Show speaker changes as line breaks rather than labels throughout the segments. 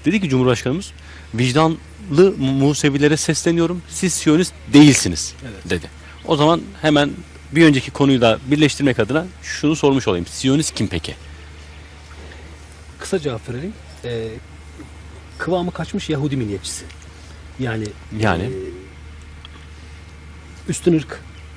Dedi ki Cumhurbaşkanımız, vicdanlı Musevilere sesleniyorum, siz Siyonist değilsiniz dedi. O zaman hemen bir önceki konuyu da birleştirmek adına şunu sormuş olayım. Siyonist kim peki?
Kısa cevap verelim. Kıvamı kaçmış Yahudi milliyetçisi. Yani üstün ırk.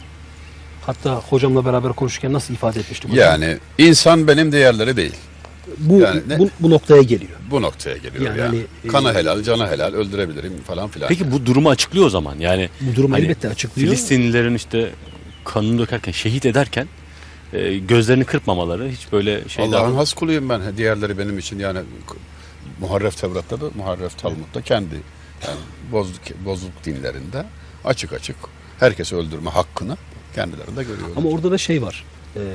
Hatta hocamla beraber konuşurken nasıl ifade etmiştik hocam?
Yani insan benim değerleri değil.
Bu,
yani
bu noktaya geliyor.
Bu noktaya geliyor
Yani
Kanı helal, canı helal, öldürebilirim falan filan.
Peki bu durumu açıklıyor o zaman. Yani
bu durum elbette açıklıyor.
Filistinlilerin işte kanını dökerken, şehit ederken gözlerini kırpmamaları, hiç böyle şeyler...
Allah'ın has kuluyum ben. Diğerleri benim için yani Muharref Tevrat'ta da, Muharref Talmud'da kendi yani bozuk dinlerinde açık açık herkesi öldürme hakkını kendilerinde görüyorlar.
Ama orada da şey var.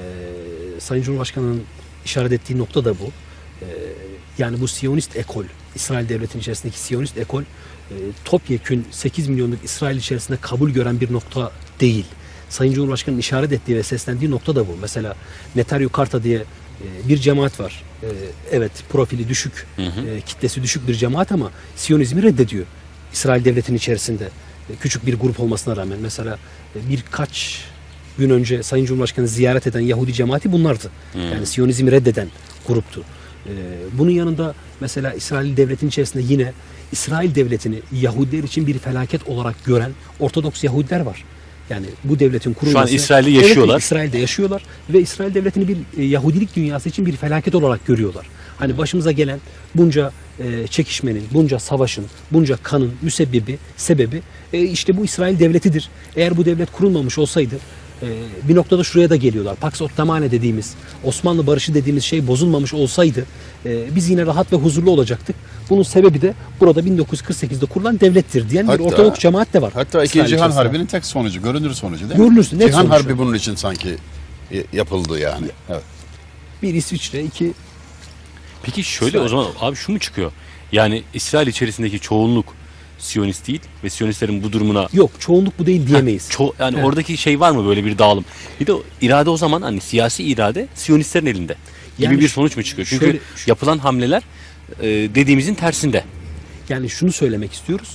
Sayın Cumhurbaşkanı'nın işaret ettiği nokta da bu. Yani bu Siyonist ekol, İsrail devletinin içerisindeki Siyonist ekol topyekün 8 milyonluk İsrail içerisinde kabul gören bir nokta değil. Sayın Cumhurbaşkanı'nın işaret ettiği ve seslendiği nokta da bu. Mesela Netanyahu Karta diye bir cemaat var. Evet, profili düşük, kitlesi düşük bir cemaat ama Siyonizmi reddediyor. İsrail devletinin içerisinde küçük bir grup olmasına rağmen. Mesela birkaç gün önce Sayın Cumhurbaşkanı ziyaret eden Yahudi cemaati bunlardı. Yani Siyonizmi reddeden gruptu. Bunun yanında mesela İsrail devletinin içerisinde yine İsrail devletini Yahudiler için bir felaket olarak gören Ortodoks Yahudiler var. Yani bu devletin kurulması...
Şu an İsrail'de yaşıyorlar.
Evet, İsrail'de yaşıyorlar ve İsrail devletini bir Yahudilik dünyası için bir felaket olarak görüyorlar. Hani başımıza gelen bunca çekişmenin, bunca savaşın, bunca kanın sebebi işte bu İsrail devletidir. Eğer bu devlet kurulmamış olsaydı bir noktada şuraya da geliyorlar. Pax Ottomane dediğimiz, Osmanlı barışı dediğimiz şey bozulmamış olsaydı biz yine rahat ve huzurlu olacaktık. Bunun sebebi de burada 1948'de kurulan devlettir diyen bir Ortodoks cemaat de var.
Hatta İkinci Cihan Harbi'nin tek sonucu, görünür sonucu değil mi?
Görünür, net
Cihan
sonuç.
Harbi bunun için sanki yapıldı yani. Evet.
Bir İsviçre, iki...
Peki şöyle o zaman abi şu mu çıkıyor? Yani İsrail içerisindeki çoğunluk Siyonist değil ve Siyonistlerin bu durumuna...
Yok, çoğunluk bu değil diyemeyiz.
Yani oradaki şey var mı, böyle bir dağılım? Bir de irade o zaman, hani siyasi irade Siyonistlerin elinde gibi
Yani
bir sonuç mu çıkıyor? Çünkü yapılan hamleler dediğimizin tersinde.
Yani şunu söylemek istiyoruz.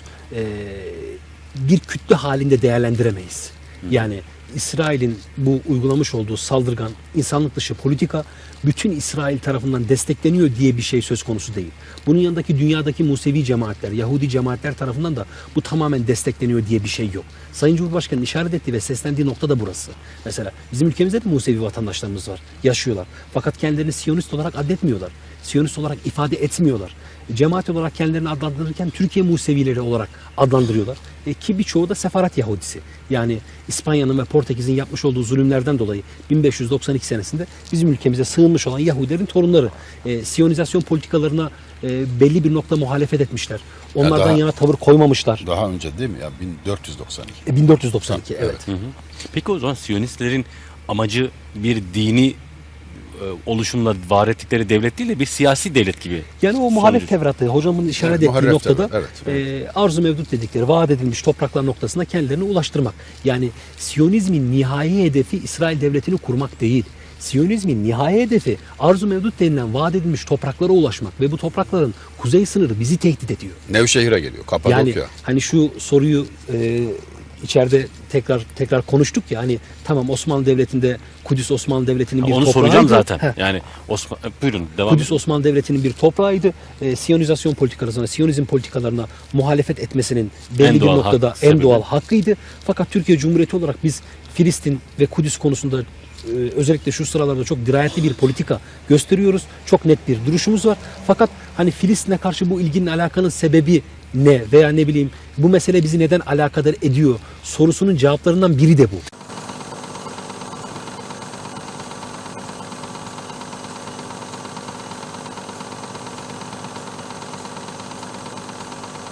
Bir kütle halinde değerlendiremeyiz. Yani İsrail'in bu uygulamış olduğu saldırgan, insanlık dışı politika bütün İsrail tarafından destekleniyor diye bir şey söz konusu değil. Bunun yanındaki dünyadaki Musevi cemaatler, Yahudi cemaatler tarafından da bu tamamen destekleniyor diye bir şey yok. Sayın Cumhurbaşkanı'nın işaret ettiği ve seslendiği nokta da burası. Mesela bizim ülkemizde de Musevi vatandaşlarımız var, yaşıyorlar. Fakat kendilerini Siyonist olarak adletmiyorlar. Siyonist olarak ifade etmiyorlar. Cemaat olarak kendilerini adlandırırken Türkiye Musevileri olarak adlandırıyorlar. Ki birçoğu da Sefarat Yahudisi. Yani İspanya'nın ve Portekiz'in yapmış olduğu zulümlerden dolayı 1592 senesinde bizim ülkemize sığınmış olan Yahudilerin torunları. Siyonizasyon politikalarına belli bir nokta muhalefet etmişler. Onlardan yana tavır koymamışlar.
Daha önce değil mi ya? 1492.
1492 evet.
Peki o zaman Siyonistlerin amacı bir dini oluşumla var ettikleri devlet değil de bir siyasi devlet gibi.
Yani o muhalef Tevrat'ı hocamın işaret ettiği noktada arzu mevdut dedikleri vaat edilmiş topraklar noktasına kendilerini ulaştırmak. Yani Siyonizmin nihai hedefi İsrail devletini kurmak değil. Siyonizmin nihai hedefi arzu mevdut denilen vaat edilmiş topraklara ulaşmak ve bu toprakların kuzey sınırı bizi tehdit ediyor.
Nevşehir'e geliyor, Kapadokya.
Yani hani şu soruyu içeride tekrar konuştuk ya, hani tamam Osmanlı Devleti'nde Kudüs Osmanlı Devleti'nin bir
onu
toprağıydı.
soracağım zaten. Yani buyurun devam
Kudüs Osmanlı Devleti'nin bir toprağıydı. Siyonizasyon politikalarına, Siyonizm politikalarına muhalefet etmesinin belli bir noktada en doğal hakkıydı. Fakat Türkiye Cumhuriyeti olarak biz Filistin ve Kudüs konusunda özellikle şu sıralarda çok dirayetli bir politika gösteriyoruz. Çok net bir duruşumuz var. Fakat hani Filistin'e karşı bu ilginin alakanın sebebi ne veya ne bileyim bu mesele bizi neden alakadar ediyor sorusunun cevaplarından biri de bu.